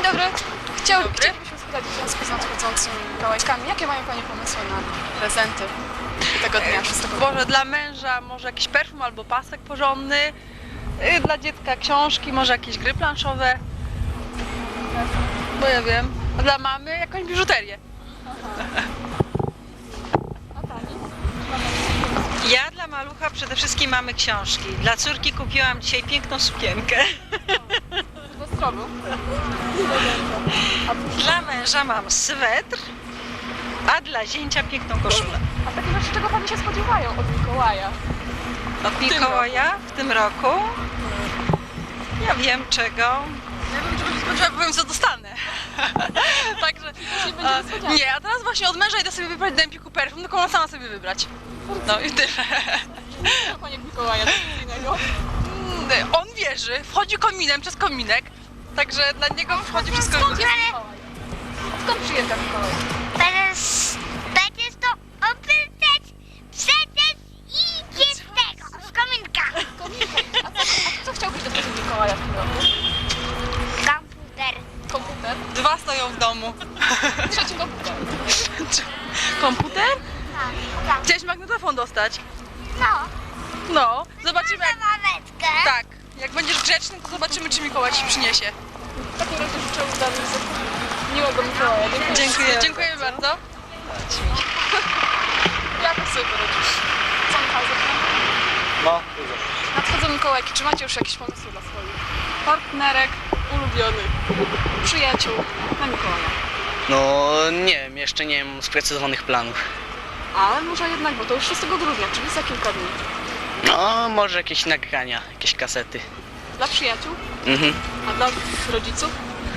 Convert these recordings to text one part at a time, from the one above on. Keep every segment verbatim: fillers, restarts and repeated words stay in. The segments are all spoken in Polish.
dobry. Chciał, chcielibyśmy spytać w związku z nadchodzącymi Mikołajkami, jakie mają Panie pomysły na prezenty tego dnia? Może dla męża może jakiś perfum albo pasek porządny, yy, dla dziecka książki, może jakieś gry planszowe, bo ja wiem, a dla mamy jakąś biżuterię. A Pani? Ja dla malucha przede wszystkim mamy książki. Dla córki kupiłam dzisiaj piękną sukienkę. Do stroju. Dla męża mam swetr, a dla zięcia piękną koszulę. A takie rzeczy, czego Pani się spodziewają od Mikołaja? Od Mikołaja w tym roku ja wiem czego. Ja bym czegoś nie spodziewała, powiem co dostanę. Także, Nie będzie a, niespodzianka. nie, a teraz właśnie od męża idę sobie wybrać do Empiku perfum, tylko ona sama sobie wybrać. No i tyle. Co Panie Mikołaja tradycyjnego? Mm, On wierzy, wchodzi kominem przez kominek, także dla niego wchodzi przez Skąd kominek. jest Mikołaj? Skąd przyjeżdża Mikołaj? Teraz będziesz to obrzydzać, przecież idzie z tego, z kominka. A co, a co chciałbyś dostać od Mikołaja w tym roku? Komputer. Komputer? Dwa stoją w domu. Trzeci komputer. Komputer? No, tak. Chciałeś magnetofon dostać? No, No, zobaczymy jak... mameczkę. Tak, jak będziesz grzeczny, to zobaczymy czy Mikołaj ci przyniesie. W takim razie życzę udanych zakupów. Miłego Mikołaja. Dziękuję. Dziękuję. Dziękuję bardzo. Jak sobie poradzisz? Co Michał zaczyna? No, dużo. Nadchodzą Mikołajki. Czy macie już jakieś pomysły dla swoich partnerek, ulubionych, przyjaciół na Mikołaja? No nie wiem, jeszcze nie mam sprecyzowanych planów. Ale może jednak, bo to już szóstego grudnia, czyli za kilka dni. No, może jakieś nagrania, jakieś kasety. Dla przyjaciół, Mhm. a dla rodziców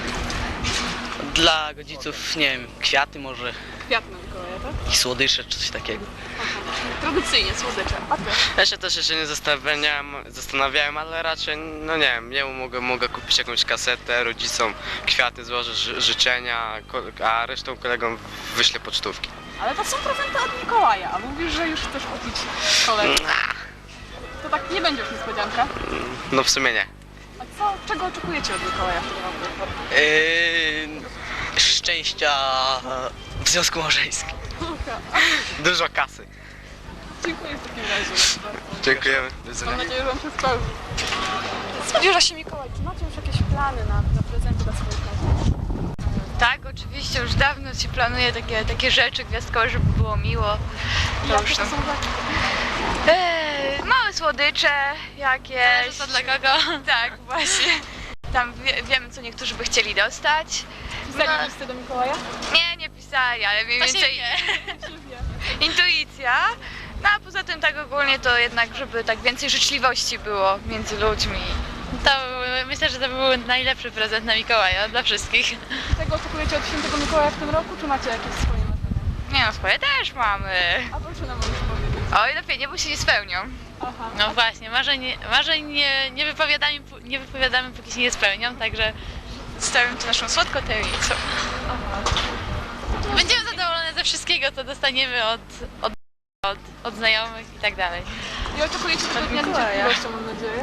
Dla rodziców, nie wiem, kwiaty może, kwiat na Mikołaja, tak? i słodycze czy coś takiego. Aha. Tradycyjnie, słodycze. A ty? Ja się też jeszcze nie zastanawiałem, zastanawiałem, ale raczej, no nie wiem, jemu mogę, mogę kupić jakąś kasetę, rodzicom kwiaty złożę, ży, życzenia, ko- a resztą kolegom wyślę pocztówki. Ale to są prezenty od Mikołaja, a mówisz, że już chcesz kupić kolegę. To tak nie będzie już niespodzianka. No w sumie nie. A co, czego oczekujecie od Mikołaja w tym roku? Yy, szczęścia w związku małżeńskim. Dużo kasy. Dziękuję w takim razie. Dziękujemy. Do Mam widzenia. nadzieję, że Wam się spełni. Zbliża się Mikołaj. Czy macie już jakieś plany na, na prezenty dla swoich osób? Tak, oczywiście, już dawno się planuje takie, takie rzeczy gwiazdkowe, żeby było miło. To Jakie już to tam. są rzeczy? Eee, małe słodycze jakieś. Co dla kogo? Tak, właśnie. Tam wie, wiemy, co niektórzy by chcieli dostać. Pisali No. listy do Mikołaja? Nie, nie pisali, ale mniej To się więcej intuicja. No a poza tym tak ogólnie to jednak, żeby tak więcej życzliwości było między ludźmi. To myślę, że to był najlepszy prezent na Mikołaja dla wszystkich. Czego oczekujecie od świętego Mikołaja w tym roku, czy macie jakieś swoje marzenia? Nie no, swoje też mamy. A proszę nam już powiedzieć. Oj, lepiej nie, bo się nie spełnią. Aha. No właśnie, marzeń, marzeń nie, nie, wypowiadamy, nie wypowiadamy, póki się nie spełnią, także Zostawiam tu naszą słodką tajemnicą. będziemy zadowolone ze wszystkiego, co dostaniemy od, od, od, od znajomych i tak dalej. I oczekujecie tego dnia z Mikołaja. niecierpliwością, mam nadzieję.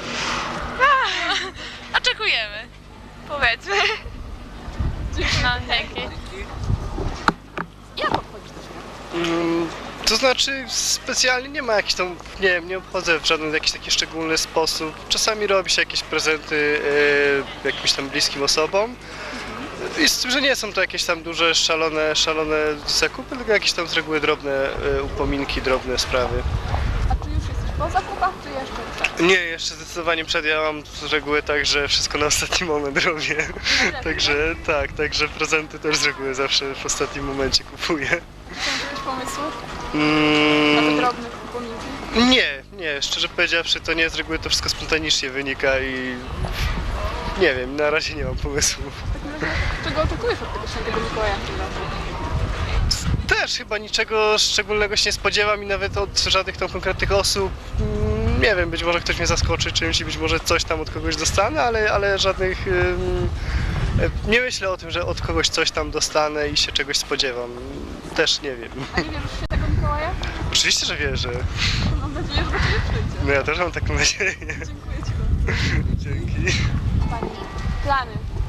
Oczekujemy. Powiedzmy. No, dzięki. Jak obchodzisz to święto? Mm, To znaczy specjalnie nie ma jakichś tam, nie wiem, nie obchodzę w żaden jakiś taki szczególny sposób. Czasami robi się jakieś prezenty e, jakimś tam bliskim osobom. I z tym, że nie są to jakieś tam duże, szalone, szalone zakupy, tylko jakieś tam z reguły drobne e, upominki, drobne sprawy. A czy już jesteś po zakupach, czy jeszcze przed? Nie, jeszcze zdecydowanie przed. Ja mam z reguły tak, że wszystko na ostatni moment robię. Także tak, także prezenty też z reguły zawsze w ostatnim momencie kupuję. Czy są jakieś pomysły Mm. na te drobne upominki? Nie, nie, szczerze powiedziawszy, to nie z reguły to wszystko spontanicznie wynika i nie wiem, na razie nie mam pomysłu. W takim razie, czego oczekujesz od tego świętego Mikołaja w tym roku? Też chyba niczego szczególnego się nie spodziewam i nawet od żadnych tam konkretnych osób. mm, Nie wiem, być może ktoś mnie zaskoczy czymś i być może coś tam od kogoś dostanę, ale, ale żadnych... ym, e, Nie myślę o tym, że od kogoś coś tam dostanę i się czegoś spodziewam. Też nie wiem. A nie wierzysz w świętego Mikołaja? Oczywiście, że wierzę. Mam nadzieję, że do Ciebie przyjdzie. No ja też mam taką nadzieję. Dziękuję Ci bardzo. Dzięki. Pani, plany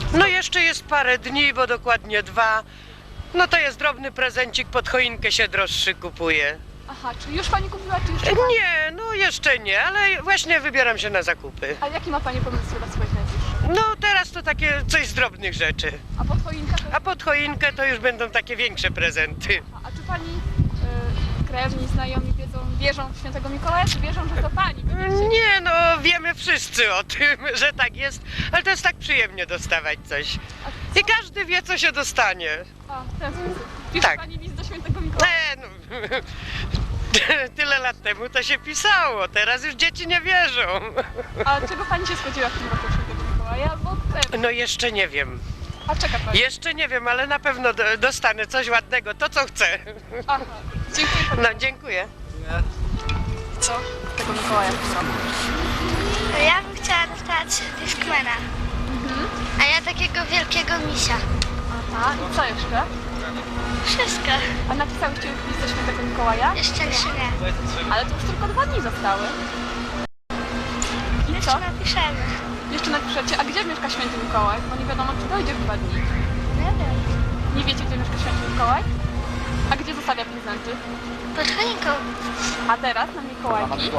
No jeszcze jest parę dni, bo dokładnie dwa. No to jest drobny prezencik, pod choinkę się droższy kupuje. Aha, czy już pani kupiła, czy jeszcze pani? Nie, no jeszcze nie, ale właśnie wybieram się na zakupy. A jaki ma pani pomysł dla swoich najbliższych? No teraz to takie coś z drobnych rzeczy. A pod choinkę to... A pod choinkę to już będą takie większe prezenty. A, a czy pani y, krewni, znajomi wiedzą, wierzą w świętego Mikołaja, czy wierzą, że to pani? będziecie- Nie, no wiemy wszyscy o tym, że tak jest, ale to jest tak przyjemnie dostawać coś. A I każdy wie, co się dostanie. A, w ten sposób. Pisze Tak. pani list do świętego Mikołaja? E, no, tyle lat temu to się pisało, teraz już dzieci nie wierzą. A czego pani się spodziewa w tym roku od świętego Mikołaja? Bo te... No jeszcze nie wiem, A czeka pani? jeszcze nie wiem, ale na pewno do- dostanę coś ładnego, to co chcę. Aha, dziękuję pani. No dziękuję. Co? Tego Mikołaja w tym roku. Ja bym chciała dostać Discmana. A ja takiego wielkiego misia. Aha, i co jeszcze? Wszystko. A napisałyście już list do świętego Mikołaja? Jeszcze nie. Ale to już tylko dwa dni zostały. I co? Jeszcze napiszemy. Jeszcze napiszecie. A gdzie mieszka święty Mikołaj? Bo nie wiadomo, czy dojdzie w dwa dni. Nie wiem. Nie wiecie, gdzie mieszka święty Mikołaj? A gdzie zostawia prezenty? Pod choinką. A teraz na Mikołajki?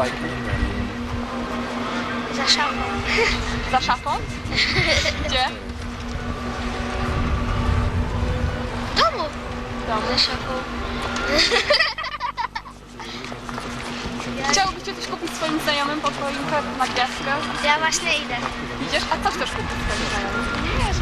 Za szafą. Za szafą? Gdzie? W domu. W domu. Za szafą. Chciałobyście coś kupić swoim znajomym pod choinkę na gwiazdkę? Ja właśnie idę. Idziesz? A co chcesz kupić swoim znajomym? Nie wiem,